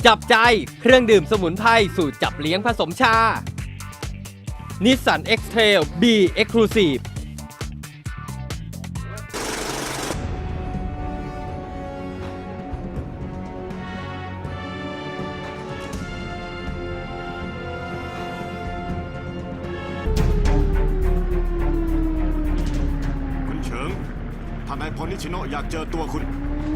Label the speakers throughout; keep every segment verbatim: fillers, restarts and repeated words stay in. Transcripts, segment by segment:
Speaker 1: จับใจเครื่องดื่มสมุนไพรสูตรจับเลี้ยงผสมชา Nissan X-Trail B Exclusive
Speaker 2: คุณเฉิงท่านนายพลนิชิโนะอยากเจอตัวคุณ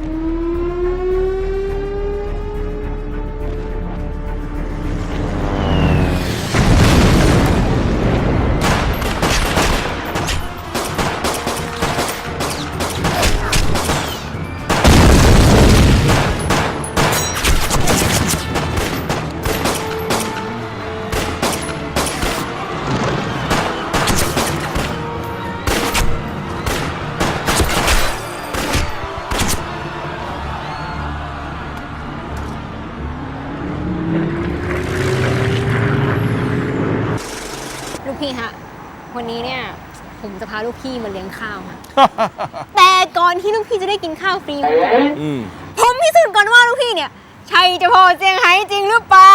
Speaker 3: ลูกพี่ฮะวันนี้เนี่ยผมจะพาลูกพี่มาเลี้ยงข้าวค่ะ แต่ก่อนที่ลูกพี่จะได้กินข้าวฟรีผมพิสูจน์ก่อนว่าลูกพี่เนี่ยใช่เจ้าพ่อเซี่ยงไฮ้จริงหรือเปล่า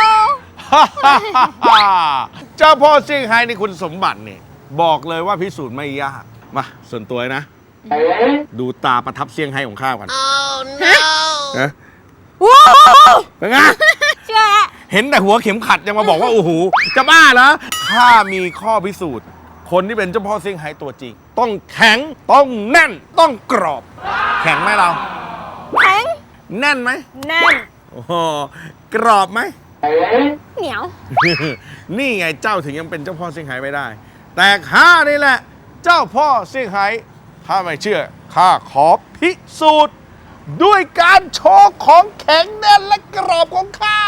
Speaker 4: เจ้าพ่อเซี่ยงไฮ้ในคุณสมบัติเนี่ยบอกเลยว่าพิสูจน์ไม่ยากมาส่วนตัวนะ ดูตาประทับเซี่ยงไฮ้ของข้ากันนะ
Speaker 3: ว้าว
Speaker 4: เป็นไง
Speaker 3: เชื่อแล้ว
Speaker 4: เห็นแต่หัวเข็มขัดยังมาบอกว่าโอ้โหจะบ้าเหรอข้ามีข้อพิสูจน์คนที่เป็นเจ้าพ่อเซี่ยงไฮ้ตัวจริง ต้องแข็งต้องแน่นต้องกรอบ แข็งไหมเรา
Speaker 3: แข็ง
Speaker 4: แน่นไหม
Speaker 3: แน่น
Speaker 4: โอ้โหกรอบไหม
Speaker 3: เหนียว
Speaker 4: นี่ไงเจ้าถึงยังเป็นเจ้าพ่อเซี่ยงไฮ้ไม่ได้ แต่ข้านี่แหละ เจ้าพ่อเซี่ยงไฮ้ถ้าไม่เชื่อข้าขอพิสูจน์ด้วยการโชว์ของแข็งแน่นและกรอบของข้า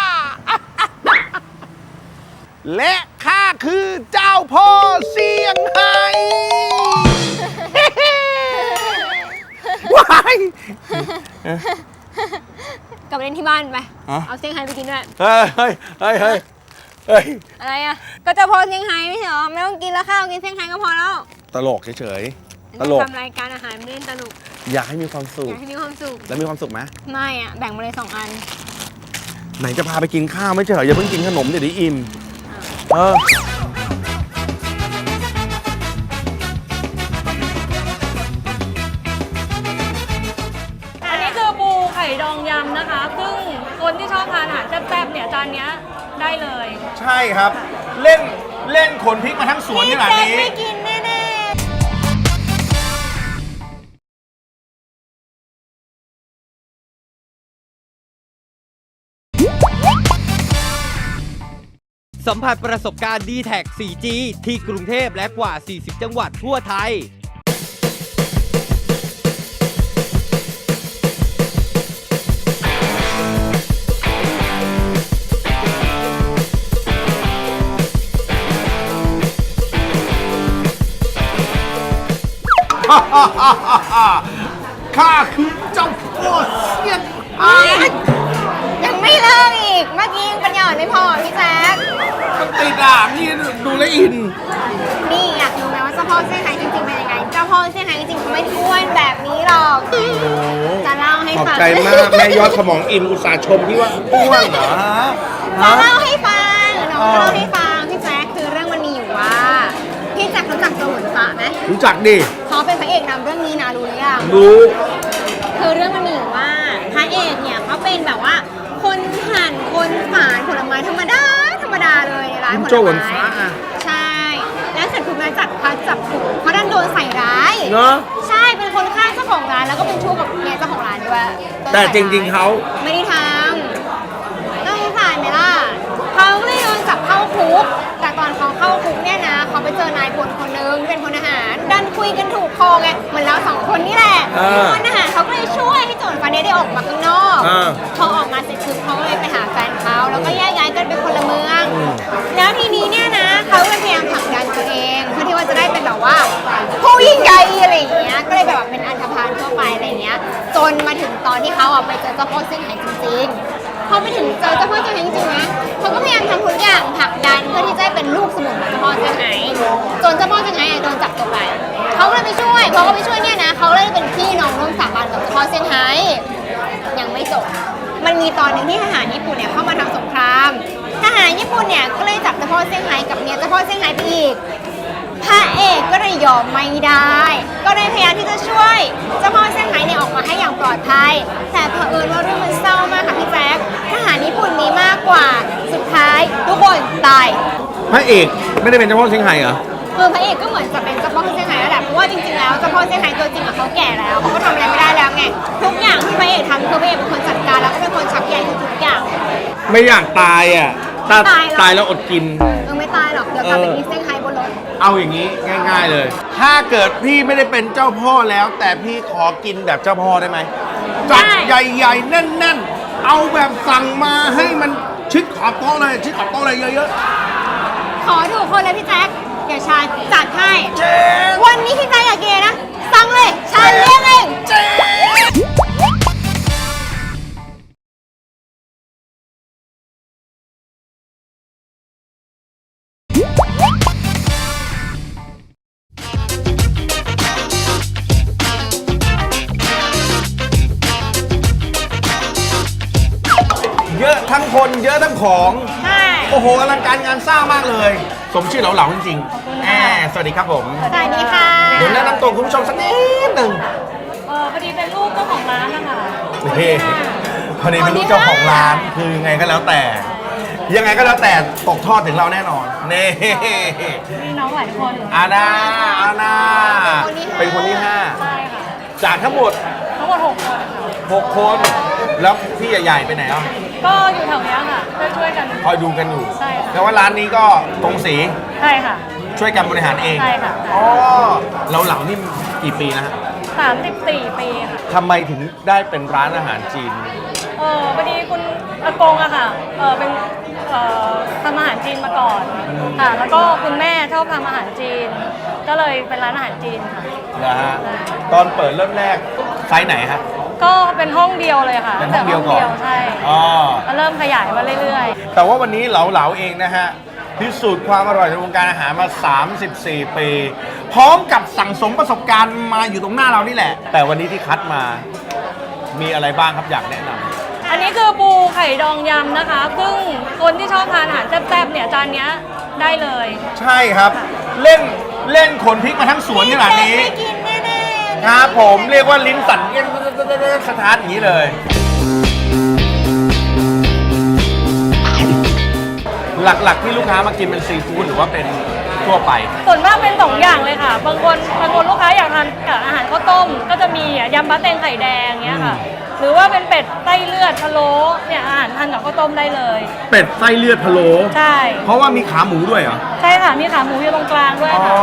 Speaker 4: และข้าคือเจ้าพ่อเซี่ยงไฮ้ว้าย
Speaker 3: กลับไปเล่นที่บ้านไป
Speaker 4: ฮะ
Speaker 3: เอาเซี่ยงไฮ้ไปกินด้วย
Speaker 4: เฮ้ยเฮ้ยเฮ้ยเฮ้ยเฮ้ย
Speaker 3: อะไรอ่ะก็เจ้าพ่อเซี่ยงไฮ้ไม่ใช่เหรอไม่ต้องกินแล้วข้าวกินเซี่ยงไฮ้ก็พอแล้ว
Speaker 4: ตลกเฉยๆตลก
Speaker 3: ทำรายการอาหารไม่เล่นตลก
Speaker 4: อยากให้มีความสุ
Speaker 3: อ
Speaker 4: ข
Speaker 3: ยากให้มีความสุข
Speaker 4: แล้วมีความสุขไหม
Speaker 3: ไม่อ่ะแบ่งมาเลยสองอัน
Speaker 4: ไหนจะพาไปกินข้าวไม่ใช่เหรออย่าเพิ่งกินขนมเดี๋ยวได้อิ่มเออ
Speaker 5: อันนี้คือปูไข่ดองยำนะคะ ซึ่งคนที่ชอบทานอาหารแซ่บๆเนี่ยจานเนี้ยได้เลย
Speaker 4: ใช่ครับ เล่นเล่นขนพริกมาทั้งสวนขนาดนี้
Speaker 3: ไม่กินแน่
Speaker 1: สัมผัสประสบการณ์ ดี แท็ก โฟร์จี ที่กรุงเทพและกว่า สี่สิบ จังหวัดทั่วไทย
Speaker 4: ข้าคือเจ้าพ่อเซี่ยงไฮ้
Speaker 3: ๆยังไม่เลิกอีกเมื่อกี้ยังปัญญาอ่อนไม่พอพี่แจ๊ค
Speaker 4: มันติดอ่ะนี่ดูแลวอิน
Speaker 3: นี่อยากรู้ไหมว่าเจ้าพ่อเซี่ยงไฮ้จริงๆเป็นยังไงเจ้าพ่อเซี่ยงไฮ้จริงๆเขาไม่ได้อ้วนแบบนี้หรอกจะเล่าให้
Speaker 4: ขอบ
Speaker 3: ฟัง
Speaker 4: ใจมากแม่ยอดสมองอิ่มอุตส่าห์ชมพี่ว่าอ้วนเหรอ
Speaker 3: จะเล่าให้ฟังน้องจะเล่าให้ฟังพี่แจ๊คคือเรื่องมันมีอยู่ว่าพี่แจ๊ครู้จักโจหวนฟ้าไหม
Speaker 4: รู้จักดิ
Speaker 3: เขาเป็นพระเอกนำเรื่องนี้นะรู้หรือยัง
Speaker 4: รู้
Speaker 3: คือเรื่องมันมีอยู่ว่าพระเอกเนี่ยเขาเป็นแบบว่า คนหั่นคนฝานผลไม้ธรรมดาธรรมดาเลยในร้านผลไม้
Speaker 4: โจหวนฟ้าอะ
Speaker 3: ใช่ แล้วเสร็จถูกนายจัดพัดจับถูกเขาดันโดนใส่ร้าย
Speaker 4: เนอะ
Speaker 3: ใช่เป็นคนฆ่าเจ้าของร้านแล้วก็เป็นชู้กับเมียเจ้าของร้านด้วย
Speaker 4: แต่จริงๆเขา
Speaker 3: ไม่ได้ทำต้องสารไหมล่ะเขาก็เลยโดนจับเข้าคุกแต่ตอนเขาเข้าคุกเนี่ยนะเขาไปเจอนายพลคนนึงเป็นพลทหารดันคุยกันถูกคอไงเหมือนเราสองคนนี่แหละพลทหารเขาก็เลยช่วยให้โจรฟ้าเนี่ยได้ออกมาข้างนอก
Speaker 4: เออ
Speaker 3: พอออกมาเสร็จคือเขาเลยไปหาแฟนเขาแล้วก็แยกย้ายกันเป็นคนละเมือง แล้วทีนี้เนี่ยนะเขาก็พยายามผลักดันตัวเองเพื่อที่ว่าจะได้เป็นแบบว่าผู้ยิ่งใหญ่อะไรอย่างเงี้ยก็เลยแบบเป็นอันธพาลทั่วไปอะไรอย่างเงี้ยจนมาถึงตอนที่เขาอ่ะไปเจอเจ้าพ่อเซี่ยงไฮ้จริงๆพอไปถึงเจอเจ้าพ่อเซี่ยงไฮ้จริงๆนะเขาก็พยายามทำทุกอย่างผลักดันเพื่อที่จะเป็นลูกสมุนของเจ้าพ่อเซี่ยงไฮ้จนเจ้าพ่อเซี่ยงไฮ้โดนจับตัวไปเขาก็เลยไปช่วยพอเขาไปช่วยเนี่ยนะเขาเลยเป็นพี่น้องร่วมสาบานกับเจ้าพ่อเซี่ยงไฮ้ยังไม่จบมันมีตอนหนึ่งที่ทหารญี่ปุ่นเนี่ยเข้ามาทำสงครามทหารญี่ปุ่นเนี่ยก็เลยจับเจ้าพ่อเซี่ยงไฮ้กับเมียเจ้าพ่อเซี่ยงไฮ้ไปอีกพระเอกก็เลยยอมไม่ได้ ก็เลยพยายามที่จะช่วยเจ้าพ่อเซี่ยงไฮ้เนี่ยออกมาให้อย่างปลอดภัยแต่เผอิญว่าเรื่องมันเศร้ามากค่ะพี่แจ๊คทหารญี่ปุ่นมีมากกว่าสุดท้ายทุกคนตาย
Speaker 4: พระเอกไม่ได้เป็นเจ้าพ่อเซี่ยงไฮ้เหรอ
Speaker 3: คือพระเอกก็เหมือนจะเป็นเจ้าพ่อเซี่ยงไฮ้แล้วแหละเพราะว่าจริงๆแล้วเจ้าพ่อเซี่ยงไฮ้ตัวจริงอะเขาแก่แล้วเขาก็ทำอะไรไม่ได้แล้วไงทุกอย่างที่พระเอกทำคือพระเอกเป็นคนจัดการแล้วก็เป็นคนชักใยทุกๆอย่าง
Speaker 4: ไม่อยากตายอ่ะถ้า
Speaker 3: ตายหรอ
Speaker 4: ตายแล้วอดกิน
Speaker 3: เออไม่ตายหรอกเดี๋ยวกลับไปกินเซี่ยงไฮ้บนรถ
Speaker 4: เอาอย่างนี้ง่าย ๆเลย ถ้าเกิดพี่ไม่ได้เป็นเจ้าพ่อแล้ว แต่พี่ขอกินแบบเจ้าพ่อได้ไหมจัดใหญ่ๆแน่นๆ เอาแบบสั่งมาให้มันชิดขอบโต๊ะเลยชิดขอบโต๊ะเลยเยอะ
Speaker 3: ขอถูกคนเลยพี่แจ๊คเดี๋ยวชาจัดให้
Speaker 4: ๆเจ๊
Speaker 3: วันนี้พี่แจ๊คอยากกินอะไรนะสั่งเลยชาเลี้ยงเอง
Speaker 4: เจ๊เยอะทั้งคนเยอะทั้งของ
Speaker 3: ใช่
Speaker 4: โอ้โหอลังการงานสร้างมากเลย สมชื่อเหลาๆจริงๆแอบสวัสดีครับผม
Speaker 3: สวัสดีค่ะ
Speaker 4: เดี๋ยวแนะนำตัวคุณผู้ชมสักนิดหนึ่ง
Speaker 5: เออพอดีเป็นลูกเจ้าของร้านนะคะ
Speaker 4: เฮ้พอดีเป็นลูกเจ้าของร้านคือยังไงก็แล้วแต่ ยังไงก็แล้วแต่ตกทอดถึงเราแน่นอนเน่
Speaker 5: มีน้องหลายคน
Speaker 4: อาณาอาณาเป็นคนที่ห้า
Speaker 5: ใช่ค่ะ
Speaker 4: จากทั้งหมด
Speaker 5: ทั้งหมดหกคนค่ะ
Speaker 4: หกคน แล้วพี่ใหญ่ๆไปไหนอ่ะ
Speaker 5: ก็อยู่แถวเนี้ยค่ะช่วยๆกัน
Speaker 4: คอยดูกันอยู่
Speaker 5: ใช่ค่ะ
Speaker 4: แต่ว่าร้านนี้ก็ตรงสี
Speaker 5: ใช่ค่ะ
Speaker 4: ช่วยกันบริหารเอง
Speaker 5: ใช่ค่ะ
Speaker 4: อ๋อเราเหล่านี่กี่ปีนะฮะ
Speaker 5: สามสิบสี่ปีค่ะ
Speaker 4: ทำไมถึงได้เป็นร้านอาหารจีน
Speaker 5: เออพอดีคุณอากงอะค่ะ เออเป็นเอ่อทำอาหารจีนมาก่อนค่ะ แล้วก็คุณแม่ชอบทำอาหารจีน ก็เลยเป็นร้านอาหารจีนค่ะ
Speaker 4: นะฮะ ตอนเปิดเริ่มแรกไซส์ไหนฮะ
Speaker 5: ก็เป็นห้องเดียวเลยค่ะ
Speaker 4: เป็นห้องเดียวก่อน
Speaker 5: ใช่
Speaker 4: อ๋อ
Speaker 5: ก็เริ่มขยายมาเรื่อย
Speaker 4: แต่ว่าวันนี้เหลาๆเองนะฮะ พิสูจน์ความอร่อยในวงการอาหารมา สามสิบสี่ ปี พร้อมกับสั่งสมประสบการณ์มาอยู่ตรงหน้าเรานี่แหละ แต่วันนี้ที่คัดมา มีอะไรบ้างครับอยากแนะนำ
Speaker 5: ๆ อันนี้คือปูไข่ดองยำนะคะ ซึ่งคนที่ชอบทานอาหารแซ่บๆเนี่ยจานเนี้ยได้เลย
Speaker 4: ใช่ครับ เล่นเล่นขนพริกมาทั้งสวนขนาดนี้
Speaker 3: ไม่กินแน่ๆ
Speaker 4: ครับผมเรียกว่าลิ้นสั่นสถานอย่างนี้เลย หลักๆที่ลูกค้ามากินเป็นซีฟู้ดหรือว่าเป็นทั่วไป
Speaker 5: ส่วนมากเป็นสองอย่างเลยค่ะ บางคนบางคนลูกค้าอยากทานกับอาหารข้าวต้ม ก็จะมีอ่ะยำบะเต็งไข่แดงเงี้ยค่ะ หรือว่าเป็นเป็ดไส้เลือดพะโล้เนี่ยอาหารทานกับข้าวต้มได้เลย
Speaker 4: เป็ดไส้เลือดพะโล้
Speaker 5: ใช่
Speaker 4: เพราะว่ามีขาหมูด้วยเหรอ
Speaker 5: ใช่ค่ะมีขาหมูอยู่ตรงกลางด้วย
Speaker 4: อ๋อ
Speaker 5: ค่ะ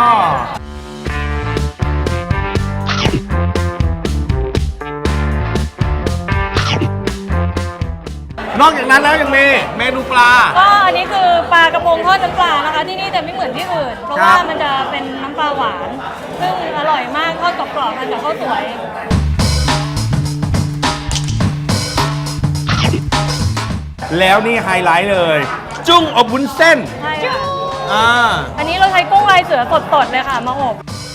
Speaker 4: นอกจากนั้นแล้วยังมีเมนูปลา
Speaker 5: ก็อันนี้คือปลากระพงทอดน้ำปลานะคะ ที่นี่จะไม่เหมือนที่อื่น เพราะ
Speaker 4: ครับ
Speaker 5: ว่ามันจะเป็นน้ำปลาหวาน ซึ่งอร่อยมากทอดกรอบๆทานกับข้าวสวย
Speaker 4: แล้วนี่ไฮไลท์เลย จุ้งอบวุ้นเส้น
Speaker 5: ใช่ค่ะ
Speaker 4: อ่า
Speaker 5: อันนี้เราใช้กุ้งลายเสือสดๆเลยค่ะมาอบ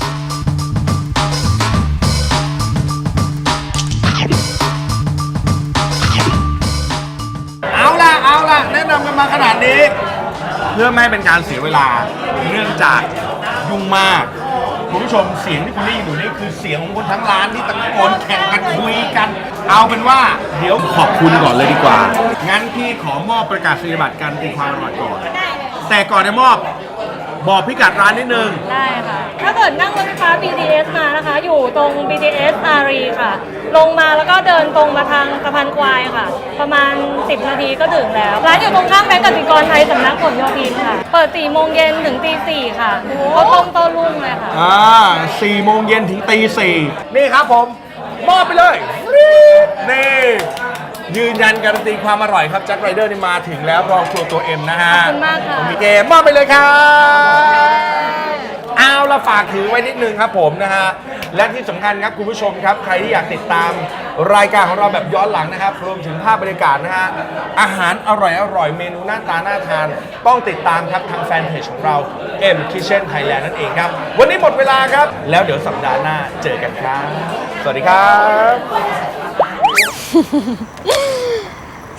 Speaker 4: เอาล่ะ เอาล่ะ แนะนำกันมาขนาดนี้ เพื่อไม่ให้เป็นการเสียเวลา เนื่องจากยุ่งมาก คุณผู้ชมเสียงที่คุณได้ยินอยู่นี่คือเสียงของคนทั้งร้านที่ตะโกนแข่งกันคุยกัน เอาเป็นว่าเดี๋ยวขอบคุณก่อนเลยดีกว่า งั้นพี่ขอมอบประกาศนียบัตรการตีความอร่อยก่อน แต่ก่อนจะมอบบอกพิกัดร้านนิดนึง
Speaker 5: ได้ค่ะ ถ้าเกิดนั่งรถไฟฟ้า บี ที เอส มานะคะ อยู่ตรง บี ที เอส อารีค่ะ ลงมาแล้วก็เดินตรงมาทางสะพานควายค่ะ ประมาณ สิบ นาทีก็ถึงแล้ว ร้านอยู่ตรงข้ามแบงก์กสิกรไทยสำนักผลโยธินค่ะ เปิด สี่ โมงเย็นถึงตี สี่ ค่ะเขาต้มโต้รุ่งเลยค่ะ
Speaker 4: อ่าสี่โมงเย็นถึงตีสี่นี่ครับผม มอบไปเลย นี่ ยืนยันการันตีความอร่อยครับแจ็คไรเดอร์นี่มาถึงแล้วพร้อมครัวตัวเอ็มนะฮะ
Speaker 5: ขอบคุณมากค่ะ
Speaker 4: มีเกมมอบไปเลยครับเอาละฝากถือไว้นิดนึงครับผมนะฮะ และที่สำคัญครับคุณผู้ชมครับ ใครที่อยากติดตามรายการของเราแบบย้อนหลังนะครับ รวมถึงภาพบรรยากาศนะฮะ อาหารอร่อยอร่อยเมนูหน้าตาน่าทาน ต้องติดตามครับทางแฟนเพจของเรา M Kitchen Thailand นั่นเองครับ วันนี้หมดเวลาครับ แล้วเดี๋ยวสัปดาห์หน้าเจอกันครับ สวัสดีครับ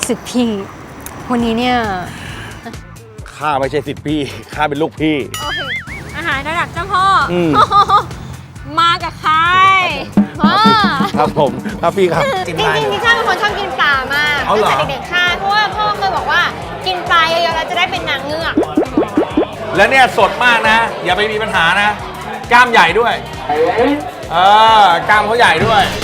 Speaker 3: สิทธิ์พี่ วันนี้เนี่ย
Speaker 4: ข้าไม่ใช่สิทธิ์พี่ ข้าเป็นลูกพี่
Speaker 3: โอเคอาหารระดับเจ้าพ่ออ
Speaker 4: ม
Speaker 3: มากับใครพ่อ
Speaker 4: ครับผมครับพี่ครับ
Speaker 3: จริงๆพี่ชาเป็นคนชอบกินปลามาก
Speaker 4: เอาเหรอ
Speaker 3: ตั้งแต่เด็กๆค่ะเพราะว่าพ่อเคยบอกว่ากินปลาเยอะๆแล้วจะได้เป็นนางเงือก
Speaker 4: แล้วเนี่ยสดมากนะ อย่าไปมีปัญหานะ กล้ามใหญ่ด้วย เออกล้ามเขาใหญ่ด้วย